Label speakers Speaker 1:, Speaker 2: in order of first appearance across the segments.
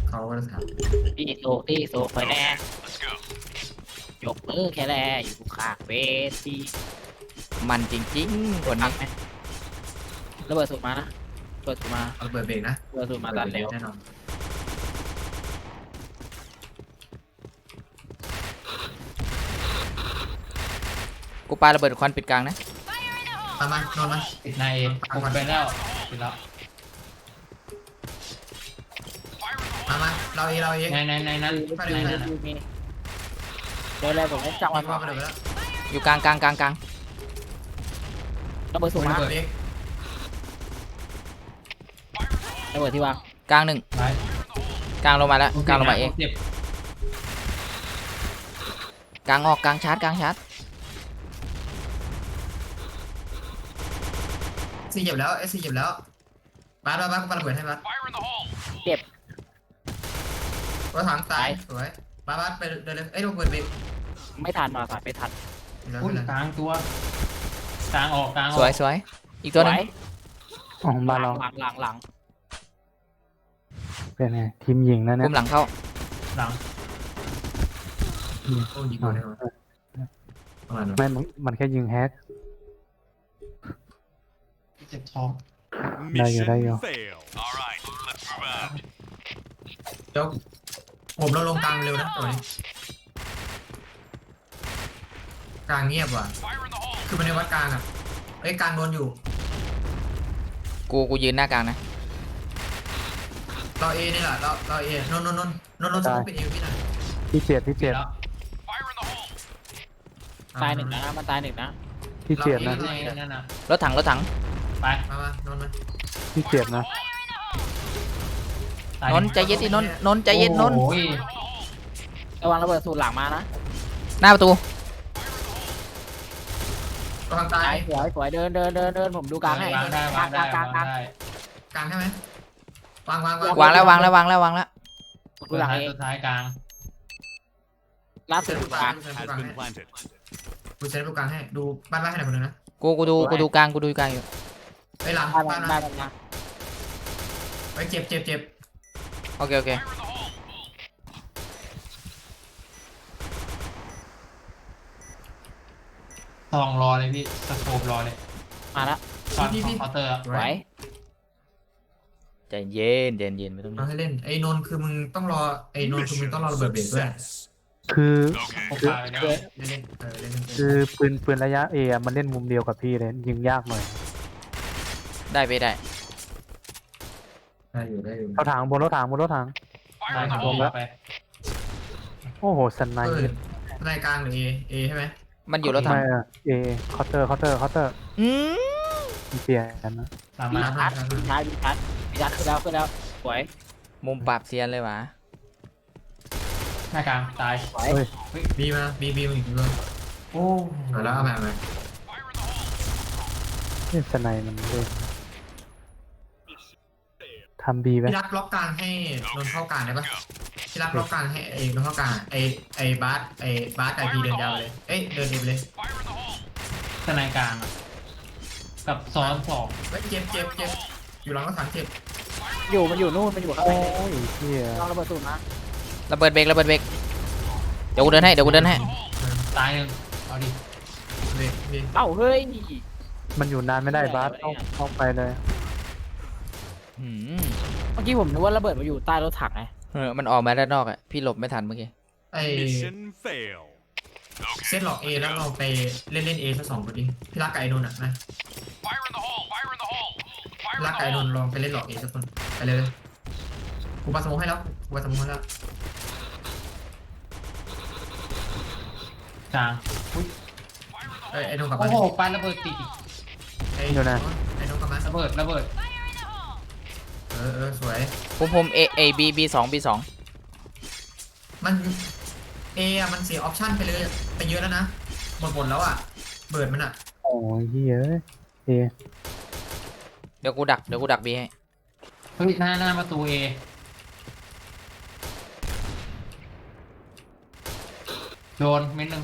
Speaker 1: เขาก็ถาม
Speaker 2: ตีโซไปแน่ยกมือแค่แลอยู่ข้างเวที
Speaker 3: มันจริงๆคนนี้
Speaker 2: ระเบิดสูตรมานะเปิดสูตรมา
Speaker 1: เอาเปิดเบรกนะ
Speaker 2: ระเบิดสูตรมาตันเร็ว
Speaker 1: แน่นอน
Speaker 3: กูปาระเบิดควันปิดกลางนะ
Speaker 1: มานอนมา
Speaker 4: ติดในผมไปแล้วติดแล้ว
Speaker 1: มาเราเอง
Speaker 4: ในนั้นในนั้น
Speaker 2: เดินเลยผมไม่จับ
Speaker 1: มั
Speaker 2: มัน น
Speaker 1: ว่าไปเลยแล้ว
Speaker 3: อยู่กลางกลางกลางกลาง
Speaker 2: ระเบิดสูตรมา
Speaker 1: เบรก
Speaker 2: ระเบิดที่วาง
Speaker 3: กลางหนึ่ง
Speaker 4: ไป
Speaker 3: กลางลงมาแล้วกลางลงมาเอง
Speaker 4: เจ็บ
Speaker 3: กลางออกกลางชาร์จกลางชาร์จ
Speaker 1: ซีเหยียบแล้วซีเหยียบแล้วบ้านกูปาระเบิดให้บ้าน
Speaker 2: เจ็บ
Speaker 1: รถถังตายสวยบ้านไปเดินเลยโดนเปิดเบรก
Speaker 2: ไม่ทันมาไม่ทัน
Speaker 4: อุ้ยกลางตัวกลางออกกลางอ
Speaker 3: ส
Speaker 4: อก
Speaker 3: วยสวยอีกตัวหนึง
Speaker 5: อ๋อบ้านเรา
Speaker 2: หลัง
Speaker 5: เป็นไงทีมหญิงนะเนี่
Speaker 3: กุ
Speaker 5: ย
Speaker 3: มหลังเข้า
Speaker 4: หลัง
Speaker 1: โอ้ยิงโดนเลยประมาณนั้น
Speaker 5: ไม่มันแค่ยิงแฮก
Speaker 4: เจ็บท้อง
Speaker 5: ได้อยู่ได้อยู่
Speaker 1: เดี๋ยวผมเราลงกลางเร็วนะตัวนี้กลางเงียบว่ะคือมันในวัดกลางอ่ะกลางโดนอยู่
Speaker 3: กูยืนหน้ากลางนะ
Speaker 1: เรานี่แหละเรานนสมองเป็นพี่หน่อย
Speaker 5: ที่เจ็ดที่เจ็ด
Speaker 4: แล้ว
Speaker 2: ตายหนึ่งนะมันตายหนึ่งนะ
Speaker 5: ที่เจ็ดนะ
Speaker 4: ในนั่นน่ะ
Speaker 3: รถถังรถถัง
Speaker 4: ไป
Speaker 1: มานนมา
Speaker 5: ที่เจ็ดนะ
Speaker 3: นนท์ใจเย็นดินนท์ใจเย็นนนท์
Speaker 4: โอ้ย
Speaker 2: ระวังระเบิดสูตรหลังมานะ
Speaker 3: หน้าประตู
Speaker 1: กำลังตาย
Speaker 2: สวยเดินผมดูกลางให้
Speaker 4: วางได้วางได้วางได้
Speaker 1: กลางใช่ไหมวาง
Speaker 3: วางแล้ววางแล้ววางแล้ววางแล้ว
Speaker 2: ดูหลังเอง
Speaker 4: สุดท้ายกลาง
Speaker 2: ล่า
Speaker 1: เซ็
Speaker 2: สุ
Speaker 1: น
Speaker 2: ด
Speaker 1: ลูก
Speaker 2: ก
Speaker 1: กลา
Speaker 2: ลาง ง
Speaker 1: ดูเซ็นลูกกลางให้ดูบ้านให้หน่อยคนนึงนะ
Speaker 3: กูดูกลางกูดูกลางอยู่
Speaker 1: หลัง
Speaker 2: บ้าน
Speaker 1: บ้าน
Speaker 2: บ้านมา
Speaker 1: ไปเจ็บ
Speaker 3: โอเคโอเค
Speaker 4: ทองรอเลยพี่สโคปรอเลย
Speaker 2: มาแล้ว
Speaker 4: ช็อตของเคาน์เตอร์
Speaker 2: ไหว
Speaker 3: ใจเย็นเย็นไม่ต้อง
Speaker 1: เราให้เล่นนนคือมึงต้องรอนนคือมึงต้องรอระเบิดเบรกด้วย
Speaker 5: คือ
Speaker 4: โคปาไปแล้ว
Speaker 1: เล่นเล่น
Speaker 5: คือปืนระยะเอมันเล่นมุมเดียวกับพี่เลยยิงยากหน่อย
Speaker 3: ได้ไปได้
Speaker 1: ได้อยู่
Speaker 5: รถถังบนรถถังบนรถถัง
Speaker 4: ได้ครับไป
Speaker 5: โอ้โหสไนเปอร์
Speaker 1: ในกลางหรือเอใช่ไหม
Speaker 3: มันอยู่รถถัง
Speaker 5: ไม่อะเอเคาน์เตอร์
Speaker 3: อืม
Speaker 5: เปลี่ยนนะ
Speaker 4: ตาม
Speaker 2: มี
Speaker 4: มา
Speaker 2: ชัดขึ้นแล้วสวย
Speaker 3: มุมปราบเซียนเลยวะ
Speaker 4: หน้ากลางตาย
Speaker 2: สวย
Speaker 5: เฮ้ย
Speaker 1: บีมาบีมึงอีกเลย
Speaker 4: โอ้
Speaker 1: แล้วเอามา
Speaker 5: นี่สไนมันเล่นทำบีไหม
Speaker 1: พี่รักล็อกกลางให้นนเข้ากลางได้ปะพี่รักล็อกกลางให้นนเข้ากลางไอ้บาสไอพีเดินยาวเลยเดินเองเลย
Speaker 4: สไนกลางกับซ้อนสอง
Speaker 1: เจ็บอยู่หลังรถถังเจ็บ
Speaker 2: มันอยู่นู่นมันอยู่ข้าง
Speaker 5: โอ้
Speaker 2: ใน
Speaker 5: ยเฮีย
Speaker 2: ลองระเบิดสูตรมา
Speaker 3: ระเบิดเบรกเดี๋ยวกูเดินให้
Speaker 4: ตายหนึ่งเอาดิ
Speaker 1: เบรก
Speaker 2: เอ้าเฮ้ย
Speaker 5: มันอยู่นานไม่ได้บาสเข้าไปเลย
Speaker 3: อืม
Speaker 2: เมื่อกี้ผมนึกว่าระเบิดมาอยู่ใต้รถถังไง
Speaker 3: มันออกมาด้านนอกอ่ะพี่หลบไม่ทันเมื่อกี้
Speaker 1: ไอเซตหลอกแล้วเราไปเล่นสัก2คนดิพี่รักไก่นนอ่ะนะรักไก่นนลองไปเล่นหลอกสักคนไปเลยกูปาสมองให้แล้วกูปาสมองให้แล้ว
Speaker 4: กลาง
Speaker 1: ไอ้นนกลับ
Speaker 4: โอ้
Speaker 1: มา
Speaker 4: โหปาระเบิดติด
Speaker 1: ไอ้นนกลับมา
Speaker 4: ระเบิด
Speaker 1: สวย
Speaker 3: ผมB2
Speaker 1: มันมันเสียออปชั่นไปเลยไปเยอะแล้วนะหมดแล้วอ่ะเบิร์ดมันอ่ะ
Speaker 5: โอ้ยเฮียเอ
Speaker 3: เดี๋ยวกูดักบีให้
Speaker 4: เฮ้ยหน้าประตูเอโดนเม็ดนึง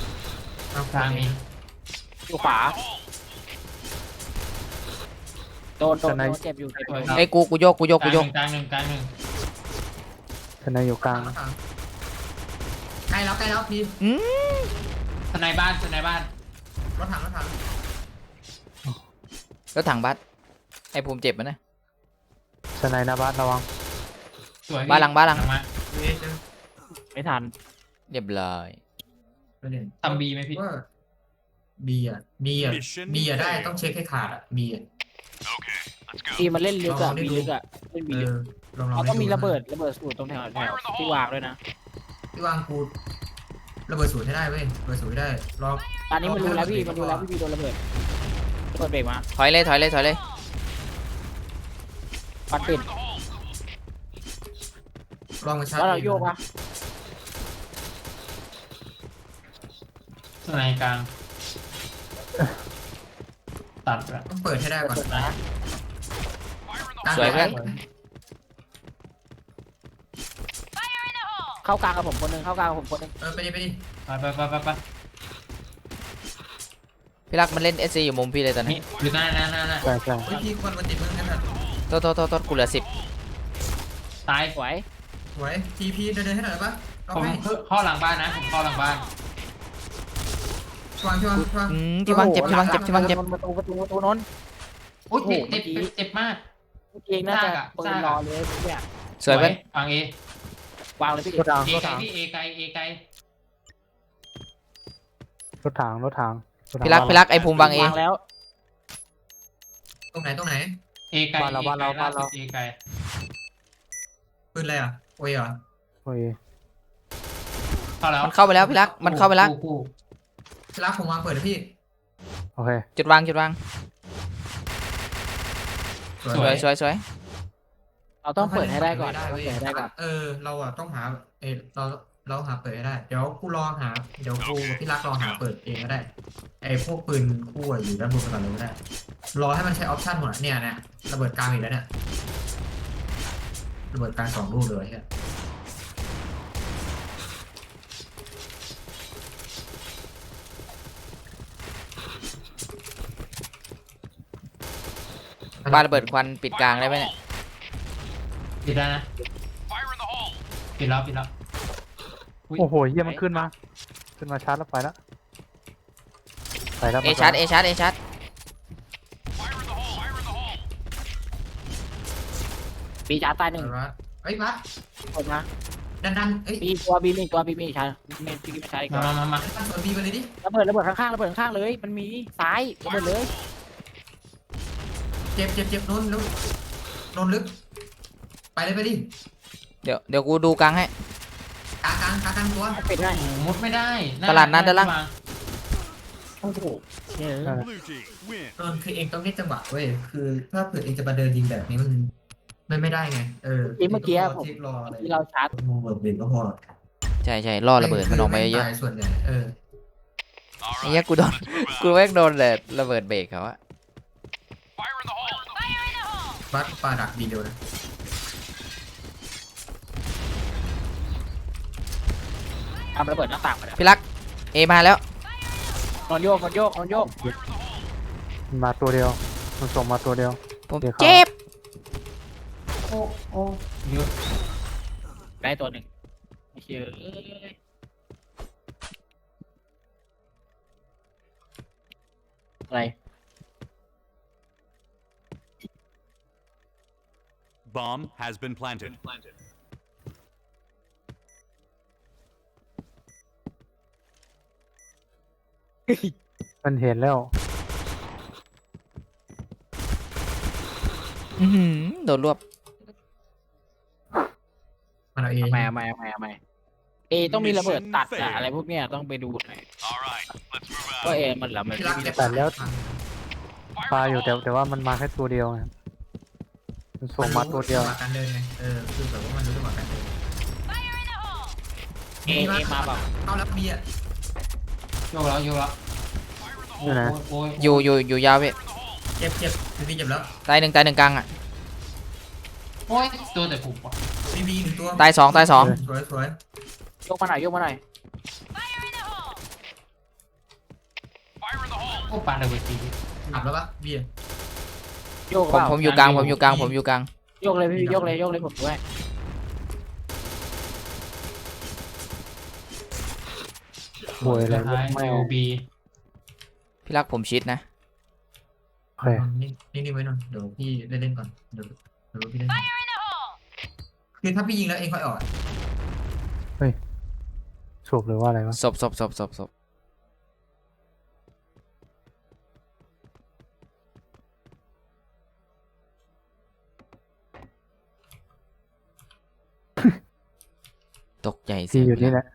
Speaker 4: กลางมี
Speaker 2: อยู่ขวาโดนเจ็บอยู่เจ็บอยู่
Speaker 3: ไอ้ยกูโยก
Speaker 4: กลางหนึ่ง
Speaker 5: ทนายอยู่กลาง
Speaker 1: ใกล้แล้วพี่
Speaker 4: ทนายบ้าน
Speaker 1: รถถัง
Speaker 3: แล้วถังบัสไอ้ภูมิเจ็บมันนะ
Speaker 5: ทนายหน้าบ้านระวัง
Speaker 4: สวย
Speaker 3: บ้านหลัง
Speaker 4: มา
Speaker 1: เอ๊ะเจอ
Speaker 2: ไม่ทัน
Speaker 3: เรียบร้อย
Speaker 1: ประเด็น
Speaker 4: ทำบีไหมพี่
Speaker 1: ว่าบีอ่ะได้ต้องเช็คให้ขาดอ่ะบีอ่ะ
Speaker 2: ทีมันเล่นลึกอะ
Speaker 1: ลองได้
Speaker 2: มี
Speaker 1: ดู
Speaker 2: ลึกอะเล่นมี
Speaker 1: เอ
Speaker 2: ลึก
Speaker 1: อลอง
Speaker 2: เขา
Speaker 1: ให้
Speaker 2: ต้องมี
Speaker 1: ดูน
Speaker 2: ระเบิดสูตรตรงแถวที่วางด้วยนะ
Speaker 1: ที่วางกูระเบิดสูตรให้ได้เว้ยระเบิดสูตรให้ได้รอบ
Speaker 2: ตอนนี้มันรู้แล้วพี่โดนระเบิดเบรกมา
Speaker 3: ถอยเลย
Speaker 2: ปัดปิด
Speaker 1: ลองมาชาร์จ
Speaker 2: แล้วเราโยกปะ
Speaker 4: ทนายกลางตัดละ
Speaker 1: ต้องเปิดให้ได้ก่อน
Speaker 2: เปิดนะ
Speaker 3: สวยเพื่อน
Speaker 2: เข้ากลางกับผมคนหนึง
Speaker 1: ไปดิ
Speaker 4: ไป
Speaker 3: พี่รักมันเล่น SC อยู่มุมพี่เลยตอน
Speaker 4: นี่
Speaker 3: นี้
Speaker 4: อยู่หน้า
Speaker 5: ใช่ใช่
Speaker 1: เฮ้ยพี่ควรมาติดมึงกันนะ
Speaker 3: โทษกูเหลือ10
Speaker 4: ตาย
Speaker 2: สวย
Speaker 1: สวยทีเดินให้หน่อยได้ปะเรา
Speaker 4: ผม
Speaker 1: ให้
Speaker 4: เข้าหลังบ้านนะผมเข้าหลังบ้าน
Speaker 1: วาง
Speaker 3: ที่วางเจ็บ
Speaker 2: ประตูนนท์
Speaker 4: โอ้ย
Speaker 2: โอ้โห
Speaker 4: เจ็บมาก
Speaker 2: เองน่าจะเปิดรอเลยเนี่ย
Speaker 3: สวยเพื่อน
Speaker 4: วางเอ
Speaker 2: วางเลยพี่
Speaker 5: รถถัง
Speaker 4: เอ
Speaker 5: รถ
Speaker 4: ไกล
Speaker 5: ถัง
Speaker 4: พี่เอไกล
Speaker 5: รถถังรถถัง
Speaker 3: พี่รักไอ้ภูมิวางเอ
Speaker 2: วางแล้ว
Speaker 1: ตรงไหน
Speaker 4: เอไกล
Speaker 5: บ้านเรา
Speaker 4: เอไกล
Speaker 1: ปืนอะไรอ่ะโอ้ยเหรอ
Speaker 5: โอ้ย
Speaker 4: เข้าแล้ว
Speaker 3: มันเข้าไปแล้วพี่รักมันเข้าไปแล้ว
Speaker 4: คู่
Speaker 1: พี่รักผมวางเปิดนะพี่
Speaker 5: โอเค
Speaker 3: จุดวาง
Speaker 1: สวย
Speaker 3: สวย
Speaker 2: เราต้องเปิดให้ได้ก่อน
Speaker 1: เว้ยเราอ่ะต้องหาเราหาเปิดให้ได้เดี๋ยวกูพี่รักรอหาเปิดเองก็ได้ไอ้พวกปืนคู่อยู่ด้านบนก่อนเลยก็ได้รอให้มันใช้ออปชั่นหมดเนี่ยระเบิดกลางอีกแล้วเนี่ยระเบิดกลาง2 ลูกเลยฮะ
Speaker 3: บ้านระเบิดควันปิดกลางได้ไหมเนี่ย
Speaker 4: ปิดแล้วนะปิดแล้ว
Speaker 5: โอ้โหเยี่ยมันขึ้นมาชาร์จแล้วไปแล้ว
Speaker 3: เอชาร์จ
Speaker 2: ปีจ้าตายหนึ่ง
Speaker 1: เฮ้ยบัส
Speaker 2: คนนะ
Speaker 1: ดันเอ้ย
Speaker 2: ปีมีชาปีไม่ใช่ก่อน
Speaker 4: มา
Speaker 1: ดันเปิดบีไปเลยดิ
Speaker 2: ระเบิดข้างๆเลยมันมีซ้ายระเบิดเลย
Speaker 1: เจ็บโดนลึกไปเลยไปดิ
Speaker 3: เดี๋ยวกูดูกลางให้
Speaker 1: กลางตัว
Speaker 2: ปิดได้
Speaker 4: โอ้มุดไม่ได้
Speaker 3: ตลาดนัดด้านล่าง
Speaker 2: โอ้โหเนี่ย
Speaker 1: โดนคือเองต้องเล่นจังหวะเว้ยคือถ้าเผื่อเองจะมาเดินยิงแบบนี้มันไม่ได้ไงที่รออะไร
Speaker 2: ที่เราชาร์จ
Speaker 1: มองแบบเบรกก็พอ
Speaker 3: ใช่ล่อระเบิดมันออกมาเยอะ
Speaker 1: ส่วนใหญ่
Speaker 3: ไอ้เหี้ยกูแม่งโดนเลยระเบิดเบรกเขาอะ
Speaker 1: บัสปาดักบีเดียวนะ
Speaker 2: ทำระเบิดหน้าต่างไปแล้ว
Speaker 3: พี่รักเอมาแล้ว
Speaker 2: นอนโยก
Speaker 5: มันมาตัวเดียวมันส่งมาตัวเดียว
Speaker 3: ผม
Speaker 5: เดี๋ยวเขา
Speaker 3: เจ็บ
Speaker 4: โอ้เยอะ
Speaker 2: ได้ตัวหนึ่งเชื่ออะไร
Speaker 6: Bomb has been planted.
Speaker 5: มันเห็นแล้ว
Speaker 3: โดนรวบ
Speaker 1: มันเอาเอง
Speaker 2: ทำไมเอต้องมีระเบิดตัดอะอะไรพวกเนี้ยต้องไปดูหน่อย
Speaker 6: All right, let's move out.
Speaker 2: ว่าเอมันละมัน
Speaker 1: พี่รักเจ็บ
Speaker 5: ปลาอยู่แต่ว่ามันมาแค่ตัวเดียวไงมันส่งมาตัวเดียว
Speaker 1: การเดินไงคือแบบว่ามันรู้จังหวะการเดิน
Speaker 2: เอมาแบบ
Speaker 1: เข้าแล้วบีอ่ะ
Speaker 4: โยกแล้วโอ้ย
Speaker 3: อยู่ยาวพี่
Speaker 1: เจ็บบีเจ็บแล้ว
Speaker 3: ตายหนึ่งกลางอะ
Speaker 4: โอ้ยตัวแต่ผมว่ะ
Speaker 1: บี1 ตัว
Speaker 3: ตายสอง
Speaker 1: สวย
Speaker 2: ยกมาหน่อย
Speaker 4: โอ้ปาระเบิดที
Speaker 1: ขับแล้วปะบี
Speaker 2: โยก
Speaker 3: ผ
Speaker 2: เป
Speaker 3: ม
Speaker 2: ล่า
Speaker 3: ผมอยู่กลางผมอยู่กลางผมอยู่กลาง
Speaker 2: โยกเลยพี่โยกเลยโยกเลยผมด้วย
Speaker 5: บวยอะไร
Speaker 4: ท้าย
Speaker 5: ไม่
Speaker 4: ยูบี
Speaker 3: พี่รักผมชิดนะ
Speaker 5: โอเค
Speaker 1: นิ่งๆไว้นนเดี๋ยวพี่เล่นก่อนเดี๋ยวพี่เล่นก่อนคือถ้าพี่ยิงแล้วเองค่อยออก
Speaker 5: สูบหรือว่าอะไรวะ
Speaker 3: ศพตกใจเสี
Speaker 5: พี่
Speaker 3: ยง
Speaker 5: อยู่นี่แหละ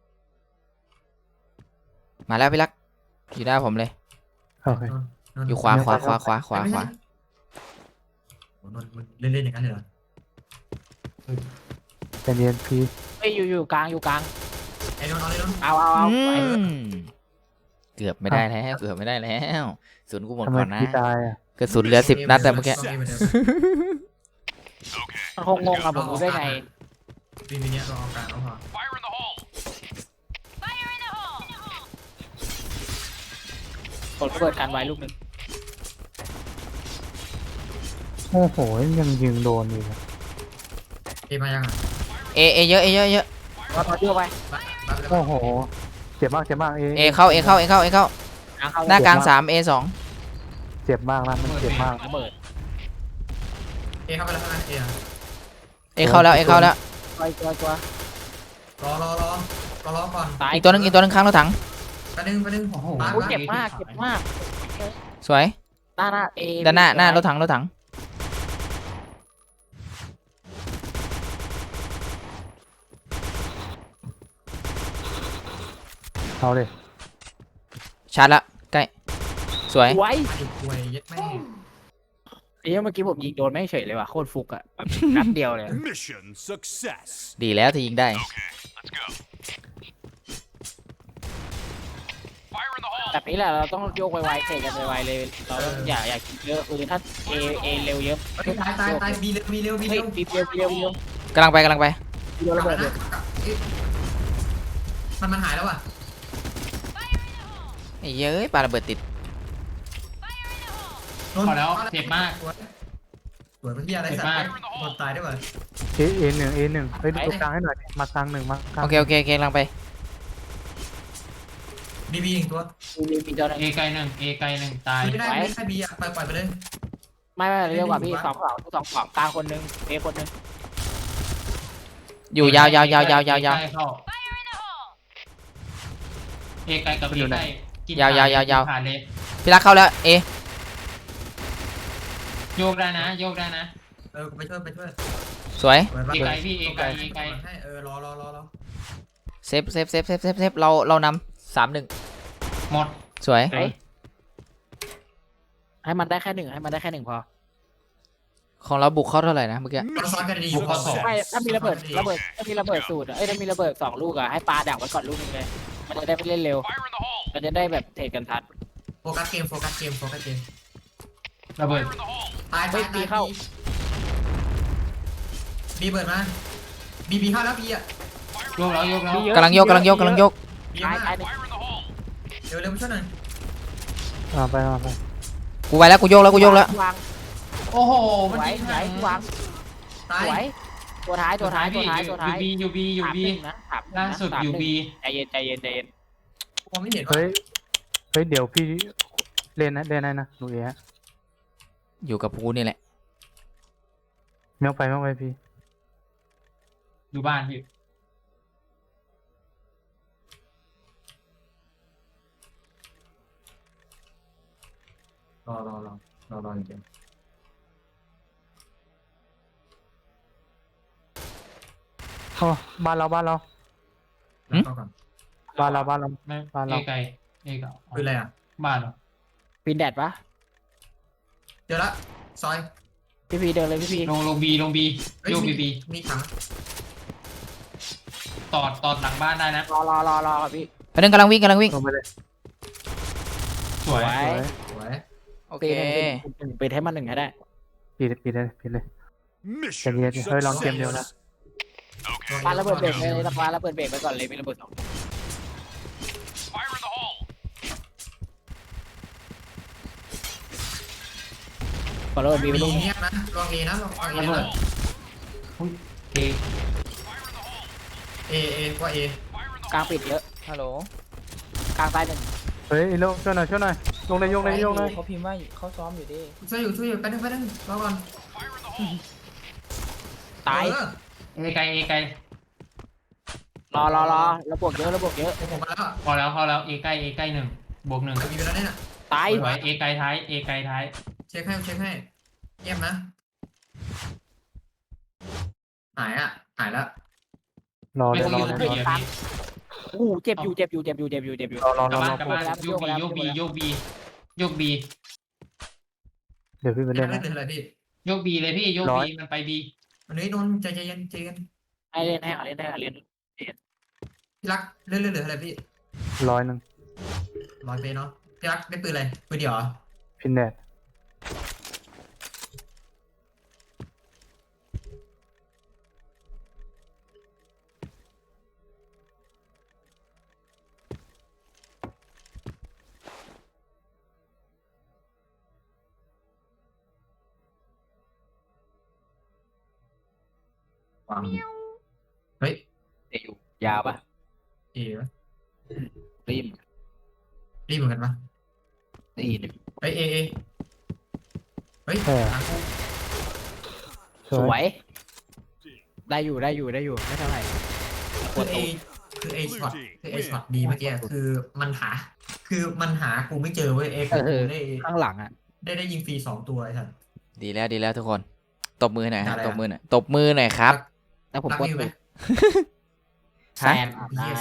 Speaker 3: มาแล้วพี่รักอยู่หน้าผมเลย
Speaker 5: โอเค
Speaker 3: อยู่ขวา
Speaker 1: โอ้นนมันเล่นอย่างนั้นเลยเหรอ
Speaker 5: เป็นเย็นพี่
Speaker 2: เอ้ยอยู่กลางอยู่กลาง
Speaker 1: ไอ้นนเอาเลยนน
Speaker 2: เอา
Speaker 3: อื
Speaker 2: ไป
Speaker 3: มเกือบไม่ได้แล้วเกือบไม่ได้แล้วศูนย์กูหมด
Speaker 5: ทำไม
Speaker 3: ก่อนนะ
Speaker 5: พี่ตายอ่ะ
Speaker 3: กระสุนเหลือ10 นัดแต่เมื่อกี้
Speaker 2: มันคงงงอะผมรู้ได้ไง
Speaker 1: ปีนี้เราเอากลางแล้วพอ
Speaker 6: Fire in the hole.
Speaker 2: กดระเบิดกันไว้ลูกหนึ่ง
Speaker 5: โอ้โหยังยิงโดนอยู่อะ
Speaker 1: มายังอ่ะ
Speaker 3: เอเยอะเยอะ
Speaker 2: ว่าพอเชื่อไป
Speaker 5: โอ้โหเจ็บมาก
Speaker 3: เอเข้า
Speaker 2: กลางเข้า
Speaker 3: หน้ากลาง3 A 2
Speaker 5: เจ็บมากนะมันเจ็บมาก
Speaker 2: ระเบิด
Speaker 1: เข้าไปแล้วใช่ไหม
Speaker 3: เอเข้าแล้ว
Speaker 2: ตัว
Speaker 1: รอก่อน
Speaker 2: ตาย
Speaker 3: อีกตัวหนึงข้างรถถัง
Speaker 1: ไปนึง
Speaker 4: โอ้โห
Speaker 2: โอ้เจ็บมาก
Speaker 3: สวย
Speaker 2: หน้าเอ
Speaker 3: ด้านหน้ารถถัง
Speaker 5: เอาเลย
Speaker 3: ชาร์จละใกล้สวย
Speaker 2: ไว้
Speaker 1: ไอ้ป่วยยัดแม่
Speaker 2: เอ้ยเมื่อกี้ผมยิงโดนไม่เฉยเลยว่ะโคตรฟุกอะแบบนัดเดียวเลย
Speaker 6: Mission success.
Speaker 3: ดีแล้วที่ยิงได้
Speaker 6: Let's go. Fire in the hole.
Speaker 2: แบบนี้แหละเราต้องโยกไวๆเทกันไวๆเลยเราต้องอย่าคิดเยอะคือถ้าเอเร็วเยอะ
Speaker 1: ตายบีเร็ว
Speaker 2: เฮ้ยบีเร็ว
Speaker 3: กำลังไป
Speaker 2: โดนระเบิดเลย
Speaker 1: มันหายแล้วอ่ะ
Speaker 3: ไอ้เย้ยปาระเบิดติด
Speaker 1: สวยเป็นที่อะไรสัตว์หมดตายได้ป่ะ
Speaker 5: A1 เฮ้ยดูกลางให้หน่อยมากลางหนึ่งมากลาง
Speaker 3: โอเคกำลังไป
Speaker 1: บีอีกตัว
Speaker 2: มีตัวนึง
Speaker 4: เอไกลหนึ่งตาย
Speaker 1: ไม่ได้บีอ่ะปล่อยไปเลย
Speaker 2: ไม่เรียกว่าพี่สองฝั่งกลางคนนึงเอคนนึง
Speaker 3: อยู่ยาว
Speaker 4: ใกล้เข้าเอไกลกับเอไกลกินผ่านเลย
Speaker 3: พี่รักเข้าแล้วเอ
Speaker 4: โยกได้นะ
Speaker 1: ไปช่วย
Speaker 3: สวย
Speaker 4: เอไกลพี่เอไกล
Speaker 1: ให้รอ
Speaker 3: เซฟเรานำ3-1
Speaker 4: หมด
Speaker 3: สวย
Speaker 2: ให้มันได้แค่หนึ่งพอ
Speaker 3: ของเราบุกเข้าเท่าไหร่นะเมื่อกี้
Speaker 1: เราซ้อนกันดีอยู่
Speaker 2: ไม่ถ้ามีระเบิดสูตรถ้ามีระเบิด2 ลูกอะให้ปาดักไว้ก่อนลูกนึงเลยมันจะได้ไปเล่นเร็ว
Speaker 6: Fire in the hole.
Speaker 2: มันจะได้แบบเทรดกันทัน
Speaker 1: โฟกัสเกม
Speaker 4: ระเบิด
Speaker 6: Fire in the hole.
Speaker 1: ตายบีเปิดมาบีเข้าแล้วบีอ่ะ
Speaker 4: โยกแล้ว
Speaker 3: กำลังยก
Speaker 2: ตาย
Speaker 1: บี
Speaker 2: หนึ่ง
Speaker 1: มาก
Speaker 6: Fire in the hole.
Speaker 1: เร็วช่วยหน่อย
Speaker 5: มาไป
Speaker 3: กูไปแล้วกูโยกแล้ว
Speaker 2: วาง
Speaker 4: โอ้โหมัน
Speaker 2: ไหว
Speaker 4: ยิง
Speaker 2: ไหววาง
Speaker 1: ตาย
Speaker 2: ไหวตัวท้าย
Speaker 4: ยูบี
Speaker 2: นะ
Speaker 4: ล่าสุดยูบี
Speaker 2: ใจเย็น
Speaker 1: มองไม่เห็น
Speaker 5: เฮ้ยเดี๋ยวพี่เล่นนะดูเอะ
Speaker 3: อยู่กับกูนี่แหละ
Speaker 5: เมียวไปพี่
Speaker 4: ดูบ้านพี่
Speaker 1: รอจริง
Speaker 5: โอ้บ้านเรา
Speaker 1: เข้าก่อน
Speaker 4: ไม่
Speaker 5: บ้านเรา
Speaker 4: เอไกล
Speaker 1: คืออะไรอ่ะ
Speaker 4: บ้านเหรอ
Speaker 2: ปีนแดดปะ
Speaker 1: เจอละซอย
Speaker 2: พี่เดินเลยพี่
Speaker 4: ลงบีโยกบี
Speaker 1: มีถัง
Speaker 4: ตอดหลังบ้านได้นะ
Speaker 2: รอพี่
Speaker 3: ไปนึงกำลังวิ่ง
Speaker 5: ลงไปเลย
Speaker 4: สวย
Speaker 1: สวย
Speaker 3: โอเค
Speaker 2: ปีนให้มันหนึ่งให้ได้
Speaker 5: ปิดเลย
Speaker 6: Mission
Speaker 5: Hey, long game
Speaker 6: success.
Speaker 5: deal na.
Speaker 2: ปาระเบิดเบรกเลยปาระเบิดเบรกไปก่อนเลยมีระเบิด2
Speaker 6: Fire in the hole.
Speaker 2: ฟอลโล่บีไป
Speaker 1: มี
Speaker 2: ลูก
Speaker 1: เงียบนะลองเอนะลองเอ
Speaker 4: ระเบิด
Speaker 1: นะ
Speaker 4: อุ้ยเอ
Speaker 1: เอกว่าเอก
Speaker 2: ลางปิดเยอะ
Speaker 3: ฮัลโหล
Speaker 2: กลางซ้ายหนึ่ง
Speaker 5: เฮ้ยโลช่วยหน่อยยกเลย
Speaker 3: เขาพิมพ์ว่าเขาซ้อมอยู่ดิ
Speaker 1: ช่วยอยู่ไปนึงรอก่อน
Speaker 2: ตาย
Speaker 1: เออ
Speaker 4: เอไกลเอไกล
Speaker 2: รอระบวกเยอะระบวกเยอะ
Speaker 1: ผมมาแล้ว
Speaker 4: พอแล้วเอไกล1 บวก 1
Speaker 1: มีเวลาเนี่ย
Speaker 2: ตาย
Speaker 4: สวยเอไกลท้ายเอไกลท้าย
Speaker 1: เช็คให้เงียบนะหายแล้ว
Speaker 5: รอ
Speaker 4: ไม่
Speaker 5: เลย
Speaker 4: ต้องอยู่พี่
Speaker 2: อู้เจ็บอยู่
Speaker 4: กลับบ้านโยกบีเ
Speaker 5: เดี๋ยวพี่ไป
Speaker 1: เล่
Speaker 5: เล่
Speaker 1: น
Speaker 5: นนะ
Speaker 1: อะไรพี่
Speaker 4: โยกบีเลยพี่โยก
Speaker 5: ร้อ
Speaker 4: บี
Speaker 5: ย
Speaker 4: มันไปบี
Speaker 1: วันนี้โดนใจเย็น
Speaker 2: ให้เล่นให้เล่น
Speaker 1: พี่รักเล่นอะไรพี่
Speaker 5: 100
Speaker 1: ร้อยเปเนาะพี่รักได้ปืนอะไรปืนเดียวเหรอ
Speaker 5: พินแดด
Speaker 1: วางเฮ้ย
Speaker 2: เดี๋ยวอยู่ยาวปะ
Speaker 1: เอ๋วะ
Speaker 2: รีบ
Speaker 1: รีบเหมือนกันปะ
Speaker 2: นี่หนึ่ง
Speaker 1: เฮ้ยเเฮ้ยหากู
Speaker 5: ส
Speaker 2: ส
Speaker 5: ว
Speaker 2: วย ยได้อยู่ไม่เท่าไหร่
Speaker 1: คือคือไอช็อตดีเมื่อกี้คือมันหากูไม่เจอเว้ยกูได้
Speaker 2: ข้างหลังอ่ะ
Speaker 1: ได้ยิงฟรี2 ตัวไอ้สัส
Speaker 3: ดีแล้วทุกคนตบมือหน่อยครับ
Speaker 1: อะไรอะ
Speaker 3: ตบมือหน่อยครับ
Speaker 2: แล้วผม
Speaker 1: รัก
Speaker 2: กด
Speaker 1: นิวไหม
Speaker 2: แซนอาบน้ำ